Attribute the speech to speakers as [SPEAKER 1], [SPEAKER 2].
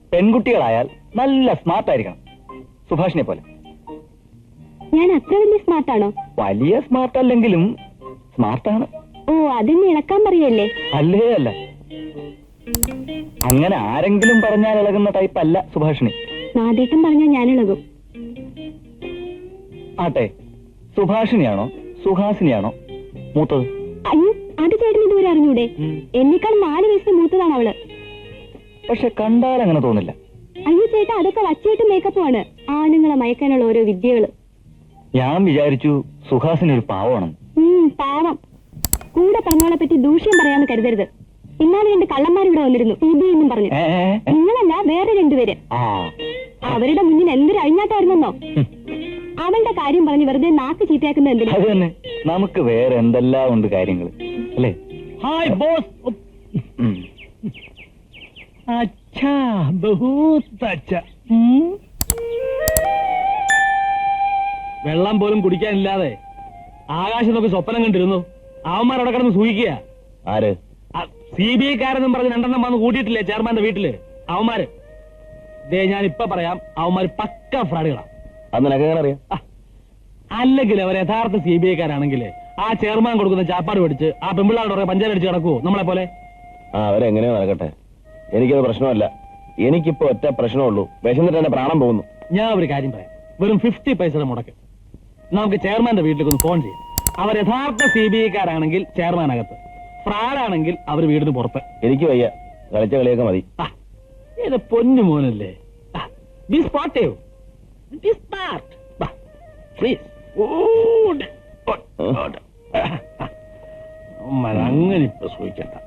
[SPEAKER 1] പെൺകുട്ടികളായാൽ നല്ല സ്മാർട്ട് ആയിരിക്കണം, സുഭാഷിനെ പോലെ.
[SPEAKER 2] ഞാൻ അത്ര വലിയ സ്മാർട്ടാണോ?
[SPEAKER 1] വലിയ സ്മാർട്ട് അല്ലെങ്കിലും സ്മാർട്ടാണ്.
[SPEAKER 2] ഓ, അതിന് ഇളക്കാൻ പറയല്ലേ?
[SPEAKER 1] അല്ലേ അല്ല, അങ്ങനെ ആരെങ്കിലും പറഞ്ഞാൽ ഇളകുന്ന ടൈപ്പ് അല്ല സുഭാഷിണി.
[SPEAKER 2] നാദേട്ടം പറഞ്ഞാൽ ഞാൻ ഇളകും.
[SPEAKER 1] ആട്ടെ, സുഭാഷിണിയാണോ സുഹാസിനിയാണോ മൂത്തത്?
[SPEAKER 2] അയ്യോ, അത് ചേട്ടൻ ഇതുവരെ അറിഞ്ഞൂടെ? എന്നേക്കാൾ 4 വയസ്സിന് മൂത്തതാണ് അവള്.
[SPEAKER 1] പക്ഷെ കണ്ടാൽ അങ്ങനെ തോന്നില്ല.
[SPEAKER 2] അയ്യോ ചേട്ടാ, അതൊക്കെ വച്ചേട്ട് മേക്കപ്പുമാണ്. ആണുങ്ങളെ മയക്കാനുള്ള ഓരോ വിദ്യകള്.
[SPEAKER 1] ഞാൻ വിചാരിച്ചു സുഹാസിനി ഒരു പാവമാണെന്ന്.
[SPEAKER 2] പാവം. കൂടെ പറഞ്ഞോളെ പറ്റി ദൂഷ്യം പറയാന്ന് കരുതരുത്. ഇന്നാലും 2 കള്ളന്മാരിവിടെ വന്നിരുന്നു, എന്നും പറഞ്ഞു. നിങ്ങളല്ല, വേറെ 2 പേര്. അവരുടെ മുന്നിൽ എന്തൊരു അഴിഞ്ഞാട്ടായിരുന്നോ. അവളുടെ കാര്യം പറഞ്ഞ് വെറുതെ നാക്ക് ചീത്തയാക്കുന്ന എന്തിനാ?
[SPEAKER 1] അത് തന്നെ, നമുക്ക് വേറെ എന്തെല്ലാം ഉണ്ട് കാര്യങ്ങൾ അല്ലേ?
[SPEAKER 3] Hi boss. अच्छा बहुत अच्छा. വെള്ളം പോലും കുടിക്കാനില്ലാതെ ആകാശം നോക്കി സ്വപ്നം കണ്ടിരുന്നു. അവന്മാരവിടെ കിടന്ന് സൂഹിക്കുക.
[SPEAKER 1] ആര്?
[SPEAKER 3] CBI കാരെന്നും പറഞ്ഞ് 2 എണ്ണം വന്ന് കൂട്ടിയിട്ടില്ലേ ചെയർമാന്റെ വീട്ടില്? അവന്മാര് ഞാൻ ഇപ്പൊ പറയാം, അവന്മാര് പക്ക ഫ്രാഡുകളാണ്.
[SPEAKER 1] അത് നിനക്ക് എങ്ങനെ അറിയാം?
[SPEAKER 3] അല്ലെങ്കിൽ അവർ യഥാർത്ഥ CBI കാരാണെങ്കിൽ ആ ചെയർമാൻ കൊടുക്കുന്ന ചാപ്പാട് പിടിച്ച് ആ പെമ്പിള്ളാരുടെ പഞ്ചായത്ത് കിടക്കുവോ നമ്മളെ പോലെ?
[SPEAKER 1] അവരെങ്ങനെയോ നടക്കട്ടെ, എനിക്കത് പ്രശ്നമല്ല. എനിക്കിപ്പോ ഒറ്റ പ്രശ്നമുള്ളൂ, വിശന്നിട്ട് എന്റെ പ്രാണം പോകുന്നു.
[SPEAKER 3] ഞാൻ ഒരു കാര്യം പറയാം, വെറും 50 പൈസയുടെ മുടക്ക് നമുക്ക് ചെയർമാന്റെ വീട്ടിലേക്ക് ഒന്ന് ഫോൺ ചെയ്യാം. അവർ യഥാർത്ഥ CBI കാരാണെങ്കിൽ ചെയർമാനകത്ത്, ഫ്രാഡാണെങ്കിൽ അവർ വീടിന് പുറത്ത്.
[SPEAKER 1] എനിക്ക് വയ്യ, കളിച്ച കളിയൊക്കെ മതി.
[SPEAKER 3] ഇത് പൊന്നു മോനല്ലേ. Be sportive, be smart, please. അങ്ങനെ ഇപ്പൊ സൂഹിക്കണ്ട.